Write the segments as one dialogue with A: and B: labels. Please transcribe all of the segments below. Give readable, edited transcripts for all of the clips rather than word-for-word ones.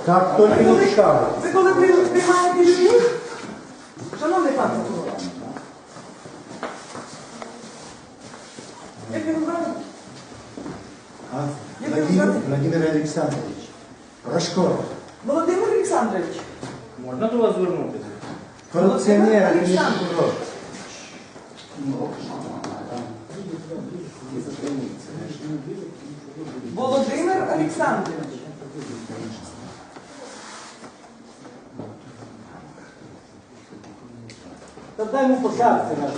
A: Как только не пускали.
B: Ви коли приймаєте людей, шановний пан прокурор, як ви називаєте?
A: Владимир Александрович. Рожков.
B: Володимир Олександрович.
C: Можна до вас звернутися?
A: Коррупционер, а не прокурор.
B: Володимир Олександрович.
C: Та дай йому посадити наш.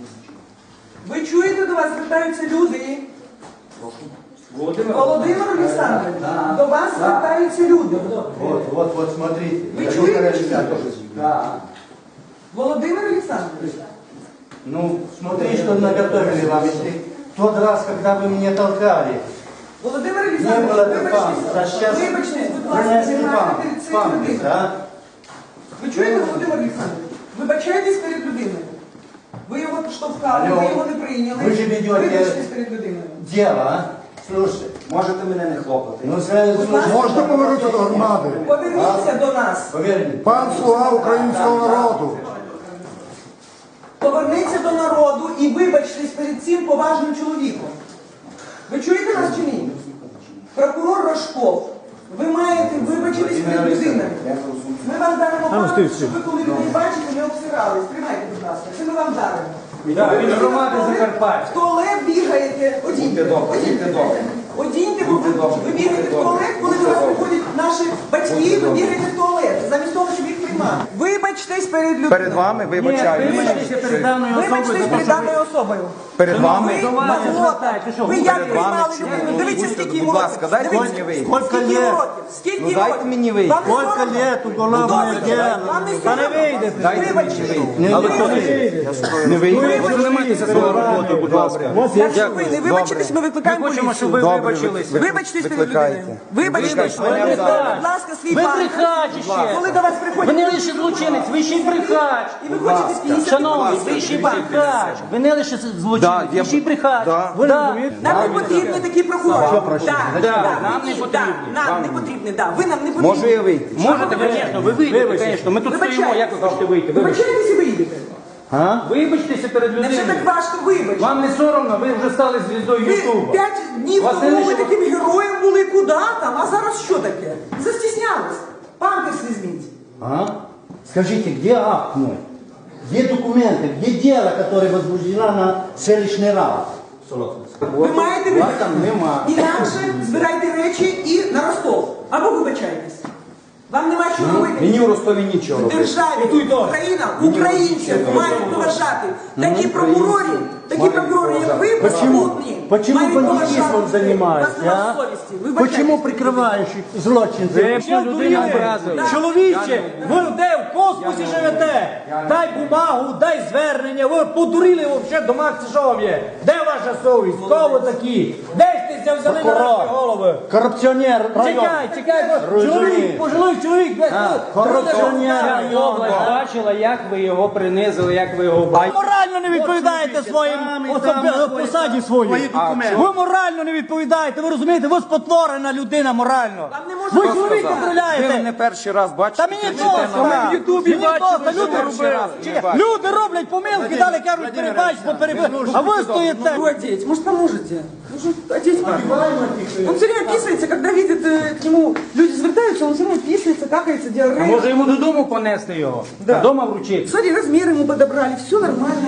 B: Ви чуєте, до вас звертаються люди?
C: Володимир
B: Олександрович, до вас звертаються люди.
A: Вот, смотрите.
B: Вы
A: Владимир
B: чуете?
A: Александрович.
C: Да.
B: Володимир Олександрович.
A: Ну, смотри, что наготовили вам. Если тот раз, когда вы меня толкали,
B: Володимир
A: не было
B: Олександрович,
A: памперса, а сейчас
B: вибачте, будь ласка,
A: принесли
B: знімайте перед цією
A: памперс,
B: людиною.
A: а?
B: Ви чуєте, Володимир Олександрович? Вибачайтесь перед людиною. Ви його штовхали,
A: Алло.
B: ви його не прийняли.
A: Ви ж ведете-
B: Вибачтесь перед людиною.
A: Дело, а? Слушай,
D: Можете мене не хлопати.
A: ну сразу
B: Будь ласка.
E: Можна повернути до громади?
B: Поверніться до нас.
A: поверь мне.
E: Пан слуга українського народу.
B: Поверніться до народу і вибачтесь перед цим поважним чоловіком. Ви чуєте нас чи ні? Прокурор Рожков, ви маєте вибачитись перед людиною. Ми вам даримо право, щоб ви коли людей бачите, не обсирались. Тримайте, будь ласка. Це ми вам даримо.
C: Да, від громади Закарпаття.
B: В туалет бігаєте, одіньте, одіньте, бо ви бігаєте в туалет, коли до вас приходять наші батьки, ви бігаєте в туалет, замість того, щоб їх приймати. Вибачтесь перед людиною.
D: Перед вами вибачаю.
C: Вибачтеся перед даною особою.
B: Вибачтесь перед даною особою.
D: Перед вами.
B: Ви
C: До вас
B: мафіота.
C: звертаєте, що
B: Ви
C: ви
B: як
D: перед
B: приймали
D: вами
B: людину?
D: чи-
B: Дивіться,
D: Будьте,
B: скільки
D: будь ласка, дайте
B: Дивіться,
D: мені вийти.
B: скільки років? Скільки
D: Ну, дайте
B: років?
D: мені вийти.
B: Вам не
A: Скільки
B: соромно?
A: лет уголовне
B: Ну,
A: дело?
B: Вам не
C: Та не
B: соромно?
C: вийдете.
D: Дайте мені
B: Вибачте.
D: вийти. Але то не вийде. Ви займайтеся своєю роботою, будь ласка.
B: Якщо ви не вибачитесь, ми викликаємо
C: Ми хочемо, щоб
B: поліцію.
C: ви вибачилися.
B: Вибачтесь перед
D: Викликайте.
B: людиною. Вибачтесь.
D: Викликайте.
B: Будь ласка, свій
C: Ви
B: пан.
C: брехач ще.
B: Коли до вас
C: Ви
B: приходять...
C: не лише злочинець, ви ще й брехач.
B: І ви хочете 50
C: Шановні, ви ще й брехач. Ви не лише
D: Да,
C: злочинець, ви ще й брехач.
D: Да.
C: Да.
B: Нам не потрібні такі прокурори.
C: Нам не потрібні.
B: Нам не потрібні, да. Ви нам не потрібні.
D: Можу я вийти?
C: Можете, звісно, ви вийдете, звісно. Ми тут стоїмо, як ви хочете вийти?
B: Вибачайтесь і виїдете.
C: Вибачтеся перед
B: Невже
C: людиною.
B: так важко вибачити?
C: Вам не соромно, ви вже стали звіздою
B: Ви
C: Ютуба.
B: 5 днів
C: Вас не
B: тому ви
C: лише-
B: таким героєм були, куди там, а зараз що таке? Застіснялись. Памперс візьміть.
A: А? Скажите, где акт мой? Где документы? Где дело, которое возбуждено на селищный раунд?
B: Ви маєте
A: Вас
B: вибачити.
A: там нема.
B: Інакше збирайте речі і на Ростов. Або вибачайтесь. Вам нема що робити.
D: Мені у Ростові нічого
B: В
D: робити.
B: державі Україна, українців мають поважати. Такі прокурори, як ви, безпутні,
A: Почему
B: мають
A: бандитизмом
B: поважати.
A: занимаешься,
B: У вас нема
A: а?
B: совісті. Вибачайтесь.
A: Почему прикрываешь злочинцев?
C: Людина образила. Чоловіче, ви де в космосі живете? Дай бумагу, дай звернення. Ви подурили взагалі до Макса Шов'є. Де ваша совість? Кого ви такі? Де сте взяли на наші голови?
A: Коррупционер район.
C: Чекай, чоловік, пожилий чоловік,
A: корупціонер
C: Вся
A: район.
C: область бачила, як ви його принизили, як ви його бачили.
F: Морально не відповідаєте своїм посаді своїй. Ви морально не відповідаєте, ви розумієте, ви спотворена людина морально.
B: Вам не можна
F: Ви
B: сказати.
F: чоловік
D: Ви
F: контроляєте.
D: мене перший раз бачите.
F: Та мені
D: кричите
F: просто,
D: на мене.
F: в Ютубі бачили, люди
D: перший раз не
F: робили.
D: бачу.
F: Люди роблять помилки, далі кажуть, перебач, а ви стоїте.
B: Могу одеть. Может, поможете? Нужно одеть папу. Он все время писается, когда видит к нему люди звертаются, он все равно писается, какается,
C: А
B: диарея.
C: може йому додому понести його? Додому вручити?
B: Смотри, размер ему подобрали, все нормально.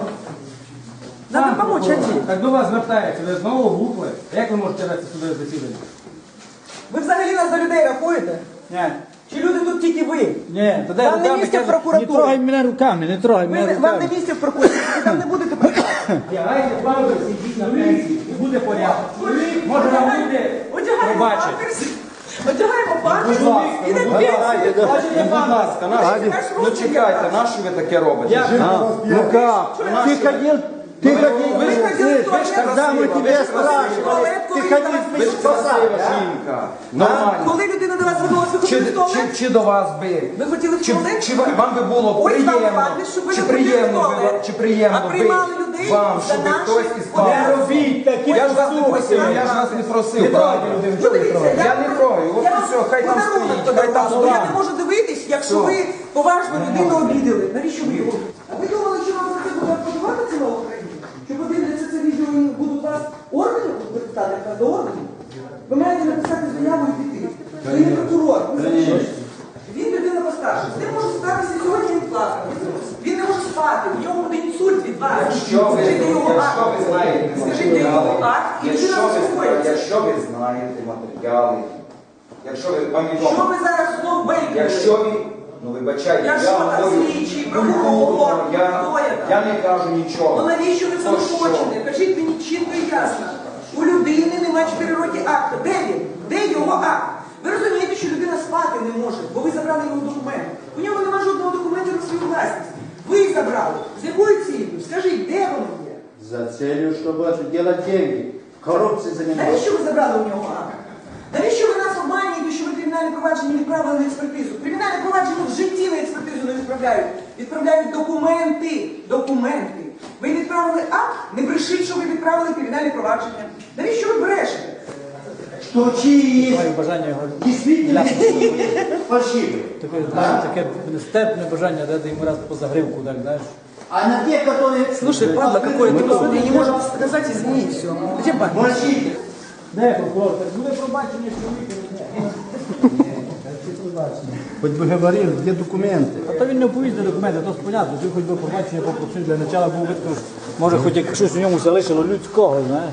B: Надо помочь одеть.
C: Так до вас звертається, ви знову глупли. Як ви можете вести судове засідання?
B: Ви взагалі нас до людей рахуєте?
F: Ні,
B: Чи люди тут тільки ви?
F: ні, то
B: Вам не місце в
F: не
B: прокуратурі.
F: трогай мене руками, не трогай мене
B: Вам
F: руками.
B: не місце в прокуратурі, ви там не будете працювати.
C: Вдягайте памперс, ідіть на пенсію, і буде порядок. Може вам люди
B: Одягаємо
C: пробачать.
B: памперс, одягаємо памперс, ідемо пенсію.
D: Будь ласка, ну чекайте, на що ви таке робите?
A: Ну как? Ты ходил,
B: Вы ходили в туалет,
A: когда мы тебе
B: в
A: спрашивали,
B: туалет,
A: ты
B: коли
A: ходил
B: вас
A: в
D: Ви ж красива
A: да?
D: жінка. Нормально.
B: Коли людина до вас звернулася, ви хотіли в туалет?
D: Чи до вас би?
B: Ви хотіли в туалет?
D: Чи вам би було
B: Ось вам
D: приємно?
B: памперс, щоб ви
D: Чи
B: не ходили в
D: приємно
B: туалет.
D: би? Чи приємно
B: А
D: би
B: приймали людей
D: вам,
B: за
D: щоб
B: наші
D: хтось із
B: подяки.
D: памперсом?
F: Робіть такі
D: Я ж вас не просив, я ж вас не просив, правильно?
B: Ну, дивіться,
D: Я не трою.
B: Я вам
D: все, хай там
B: подарунок
D: стоїть, хай там
B: подарували. Я
D: стоїть.
B: не можу дивитись, якщо ви поважну людину обідали. Навіщо ви його? А ви думали, що вам за це буде подавати ціла Україна? Що подивляться це відео і будуть вас органи викликати, яка до органів? Ви маєте написати заяву і піти. Ви не прокурор, ви захищаєте. Він людина постарша. З ним може статися сьогодні, він плакав. Він не може спати, в нього буде інсульт від вас. Скажіть його акт. Скажіть його акт, і людина заспокоїться.
G: Якщо ви знаєте матеріали, якщо ви вам відомо,
B: Що ви зараз знов бейкуєте?
G: якщо ви, ну вибачайте,
B: Я що, там,
G: говорю
B: слідчий,
G: культурно,
B: прокурор,
G: я
B: хто я там?
G: не кажу
B: Ну
G: нічого.
B: навіщо ви це
G: То що?
B: хочете? Кажіть мені чітко і ясно. У людини немає 4 роки акту. Де він? Де його акт? Ви розумієте, що людина спати не може, бо ви забрали його документ. У нього немає жодного документу на свою власність. Ви забрали. З якою цілею? Скажіть, де воно є?
A: За целью, чтобы делать деньги. Коррупцией заниматься.
B: Навіщо ви забрали у нього акт? Навіщо ви нас обманюєте, що ви кримінальне провадження відправили на експертизу? Кримінальне провадження в житті на експертизу не відправляють. Відправляють документи. Документи. Ви відправили акт? Не брешіть, що ви відправили кримінальне провадження. Навіщо ви брешете?
A: Что чьи
C: Маю бажання його
A: действительно фальшивые.
C: таке нестерпне бажання дати йому раз по загривку, так, знаєш.
A: А на те, которые...
B: Слушай, падла, какое ты посмотри, не можем сказать, извини, все. Где банк?
A: Мальчики,
C: Де прокурор? Так буде пробачення чоловіка.
A: хоть бы говорил, где документы?
C: А то він не оповістив документи, то ж понятно, ти хоч би пробачення попросив, для начала був видно, може хоч як щось у ньому залишило людського, знаєш.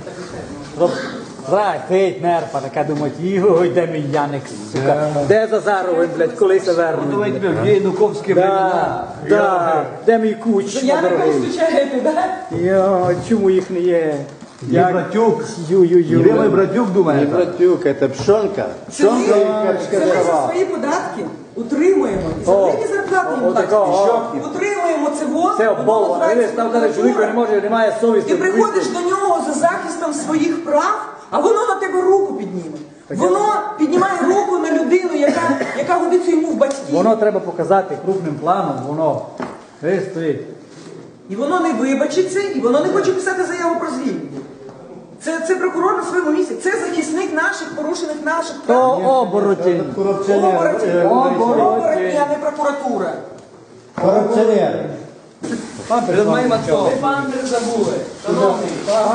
C: Треть нерпа, така думать, йой, де мій Яник, сука, де Зазаровин, блядь, коли се вернуть. Давай тебе в Януковські времена. Де мій куч,
B: Я не
C: дорогий.
B: включаєте, да?
C: Йо, чому їх не є?
A: Не братюк.
C: Ю-ю-ю.
A: Где мой братюк думает? Не братюк, это пшонка.
B: Це ми за свої податки утримуємо. І за великі зарплати їм платять. Утримуємо це ВОЗ,
C: Це
B: воно
C: обмова.
B: називається
C: Став каже, чоловік не може, немає совісті.
B: Ти приходиш до нього за захистом своїх прав, а воно на тебе руку підніме. Воно піднімає руку на людину, яка годиться йому в батьки.
C: Воно треба показати крупним планом, воно стоїть.
B: І воно не вибачиться, і воно не хоче писати заяву про звільнення. Це прокурор на своєму місці, це захисник наших, порушених наших
C: То
B: прав.
C: оборотень.
A: Коррупционер.
B: Оборотні, а не прокуратура.
A: Коррупционер.
C: Перед моїм отцом.
B: Ви пампер забули. Шановний.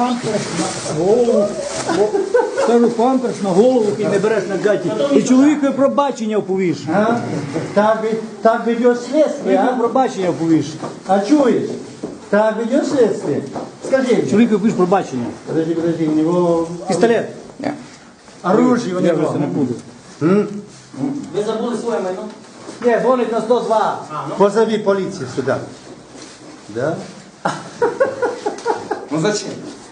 C: Кажу, памперс на голову і не береш на гаті. І чоловікові пробачення оповіш.
A: А? Так ведет следствие,
C: Чоловікові
A: а?
C: пробачення оповіш.
A: А чуешь? Так ведет следствие. Скажи мне.
C: Чоловікові оповіш пробачення.
A: Подожди, у него
C: Пістолет.
A: оружие у
C: Я вже
A: него.
C: це не буду.
B: Ви забули своє майно?
C: Ні, дзвонить на 102.
A: Позови полицию сюда. Да?
G: Ну зачем?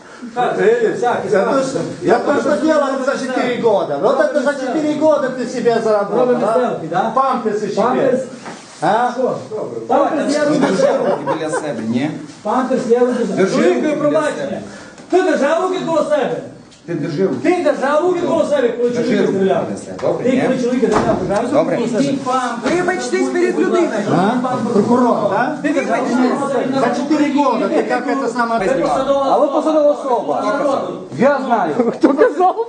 A: Я то, что делал за 4 года. Вот это за 4 года ты себе заработал.
C: Робимо
A: а?
C: селфі, да?
A: Памперсы себе.
C: Памперс.
A: А?
C: Памперс я роблю.
G: Біля себе, ні?
C: Памперс я роблю.
G: Держи
C: Чоловікові
G: руки
C: пробачення. Ти держав руки коло себе.
G: Ти держи руки.
C: Ти держав руки коло себе, коли
G: Держи
C: чоловіка
G: руки
C: стріляв.
G: коло себе. Добре,
C: Ти
G: ні?
C: коли чоловіка стріляв, держав
G: Добре.
C: руки коло себе.
B: Вибачтесь перед людиною.
A: Прокурор, да?
C: Ти держав руки коло себе.
A: За 4 года ты как это самое...
C: А ви посадова особа. Я знаю. Хто казав?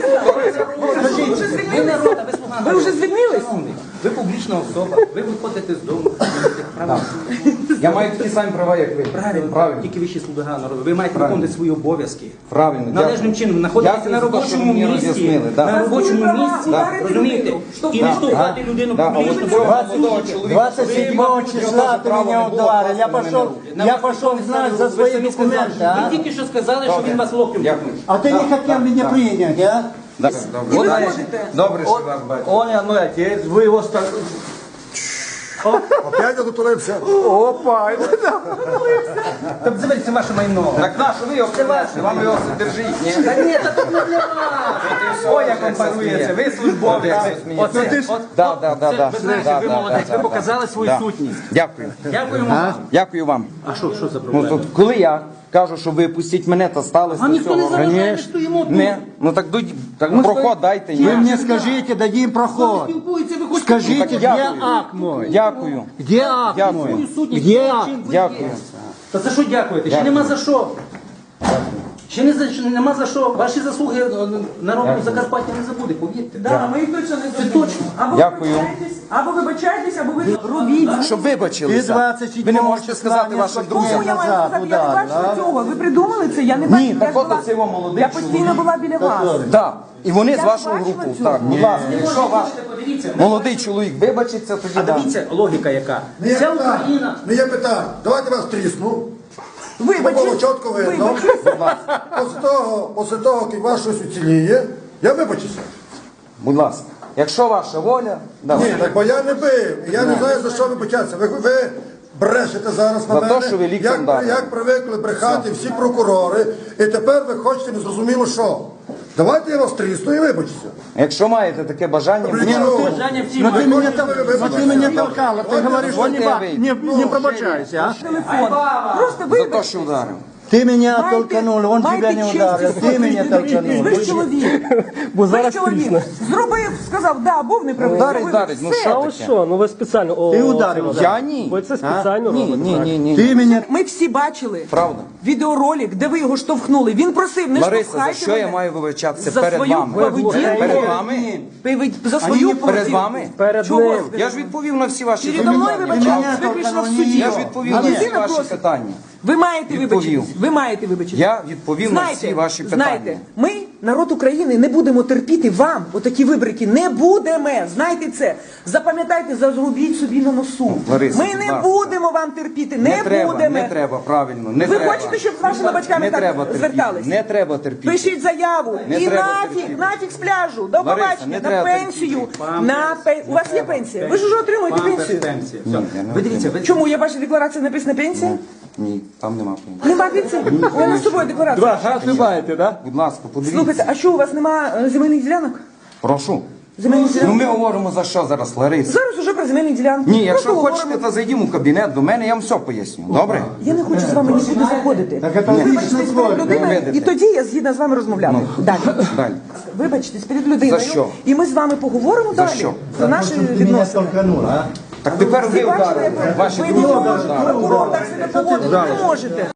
B: Ви вже звільнились?
D: Ви публічна особа, ви виходите з дому. Я маю такі самі права, як ви. Правильно.
H: Тільки вищі слуга народу. Ви маєте виконувати свої обов'язки.
D: Правильно.
H: Належним чином знаходитися
D: Дякую
H: на
D: за те, що ви
H: робочому
D: мені
H: місці.
D: роз'яснили, да.
H: На робочому
B: Права
H: місці.
B: ударити
H: Розумієте?
B: людину.
H: І не штовхати людину
D: Да, а
H: публічно.
D: от цього молодого чоловіка,
A: 27 числа ты меня ударил. Я пошел знать за свои документы, а?
H: Ви тільки що сказали, що він вас локтем.
D: Дякую.
A: А ты не хотел меня принять, а?
B: І ви можете.
G: Добре, що вас бачу.
C: Он я мой отець, ви його старший.
E: Опять одурився.
A: Опа!
H: Тобто, заберіть, це ваше майно.
G: Так на, що ви його принесли? Вам його держіть, ні?
H: Та ні, та тут не для вас. Ой, як вам парується. Ви службовець. Оце, от,
D: Да.
H: ви знаєте, ви молодець. Ви показали свою сутність.
D: Дякую.
H: Дякуємо вам.
D: Дякую вам.
H: А що за
D: Ну,
H: проблема?
D: тут, коли я кажу, що ви пустіть мене, та сталося
H: Вам ніхто не
D: цього.
H: заважає, ми стоїмо тут.
D: Не, ну так проход дайте.
A: Вы
D: Ні.
A: мне скажите, дадим проход.
H: Спілкуються, ви хочете.
A: Скажите,
D: Так
A: где
D: дякую.
A: акт мой?
D: Дякую.
A: Где акт
D: Дякую.
A: мой?
H: Свою сутність.
A: Где акт?
H: чим ви
D: Дякую.
H: є. Та за що дякуєте? Ще
D: Дякую.
H: нема за що.
D: Чи нема за що? Ваші заслуги народу Закарпаття не забуде, повірте.
B: Да, ми їх точно не забудемо. Або
G: Дякую.
B: вибачайтесь, або ви робіть.
G: Щоб
A: Ти
G: вибачилися.
A: 27
G: Ви не можете сказати
A: числа
G: вашим
A: несколько
G: друзям.
B: Кому я маю
A: назад
B: сказати? Я не
A: ударили,
B: бачила
A: а?
B: цього. Ви придумали це? Я не бачила.
G: так
B: Я ж
G: от
B: була-
G: оце його молодий
B: Я постійно
G: чоловік.
B: була біля вас.
G: Так, і вони з
B: Я
G: вашого
B: бачила
G: групу.
B: цього.
G: Так, будь ласка, якщо ваш
D: Подивіться,
G: молодий чоловік вибачиться, тоді
D: а
G: да.
D: дивіться, логіка яка.
E: Не є
D: Ця
E: питань.
D: Україна.
E: Не є питань. Давайте вас трісну.
B: Вибачте.
E: Було чітко видно. Після того, як ваш щось уціліє, я вибачуся.
G: Будь ласка. Якщо ваша воля,
E: Ні,
G: давайте.
E: так бо я не бив. Я не знаю, за що вибачатися. Ви брешете зараз на
G: За те,
E: мене,
G: що ви ліктем дали.
E: як привикли брехати всі прокурори, і тепер ви хочете незрозуміло що. Давайте я вас трісну і вибачуся.
G: Якщо маєте таке бажання, будь ласка.
D: Бажання всі
A: Ну ты
D: мають.
A: меня толкала, ты говоришь, что не пробачайся, а?
B: Телефон. Просто
G: за те,
B: вибачте.
G: що ударив.
A: Ты меня
B: Майте-
A: толканул, он
B: майте
A: тебя не
B: честь
A: ударил,
B: і
A: ты меня
B: совість.
A: толканул.
B: Ви ж чоловік. Ви ж чоловік. Зробив, сказав, да, був неправий.
G: Ударить,
B: зробив.
G: ударить, ну
B: Все.
G: що
I: А ось
G: таке?
I: що? Ну ви спеціально.
A: Ти ударив.
G: Я ні.
I: Ви це спеціально
G: Ні,
I: робите?
G: ні,
I: так?
G: ні, ні.
A: Ты меня...
B: Ми всі бачили
G: Правда.
B: відеоролик, де ви його штовхнули. Він просив, не
G: Лариса, за
B: штовхайте
G: що я
B: мене.
G: маю вибачатися
B: За
G: перед
B: свою
G: вами?
B: поведінку.
G: Перед вами?
B: За свою
G: Перед
B: поведінку.
G: вами?
I: Перед
B: Чого?
I: ним.
G: Я ж відповів на всі ваші
B: Передо мною
G: запитання.
B: вибачайтесь, виключно в суді.
G: Я ж відповів на всі
B: Людина
G: ваші
B: просить.
G: питання.
B: Ви маєте
G: Відповів.
B: вибачитись. Ви маєте вибачитись.
G: Я відповів на всі ваші питання.
B: Знаєте, ми, народ України, не будемо терпіти вам отакі вибрики. Не будемо. Знайте це. Запам'ятайте, зазрубіть собі на носу.
G: Лариса,
B: Ми
G: будь
B: не
G: ласка.
B: будемо вам терпіти. Не
G: треба,
B: будемо.
G: не треба, правильно, не
B: Ви
G: треба.
B: хочете, щоб з вашими батьками
G: не
B: так
G: треба терпіти,
B: звертались?
G: Не треба терпіти.
B: Пишіть заяву.
G: Не
B: І
G: треба
B: нафіг,
G: терпіти.
B: нафіг з пляжу. До
G: Лариса,
B: побачення.
G: не
B: На
G: треба
B: пенсію.
G: терпіти.
B: У вас є пенсія? Ви ж вже отримуєте пенсію.
D: Пенсія.
G: Ні, я не
D: Ви дивіться, ви
B: Чому? Я бачу, декларація написана пенсія?
G: Ні, там нема пенсії.
B: Нема пенсії? У мене з собою декларація.
A: Вы маете, да?
G: Будь ласка, подивіться.
B: Слухайте, а що у вас нема земельних ділянок?
G: Прошу.
B: Земельних
G: Ну
B: ділянок?
G: ми говоримо за що зараз, Лариса?
B: Зараз уже про земельні ділянки.
G: Ні, якщо
B: Просто
G: хочете,
B: говоримо.
G: то зайдімо в кабінет до мене, я вам все поясню. Добре?
B: Я не хочу з вами нікуди заходити.
A: Так это
B: Вибачтесь
A: личный
B: перед
A: твой.
B: людиною,
G: видите.
B: і тоді я згідна з вами розмовляти. Далі.
G: Далі.
B: Вибачтесь перед людиною.
G: За що?
B: І ми з вами поговоримо
G: За
B: далі
G: що?
B: про наші
A: Ты меня
B: відносини.
A: толканул, а?
G: Так тепер ви
B: Ви бачили,
G: ударили.
B: як
G: Ваші
B: ви
G: друзі
B: не
G: ударили.
B: можете, прокурор так себе поводити не можете.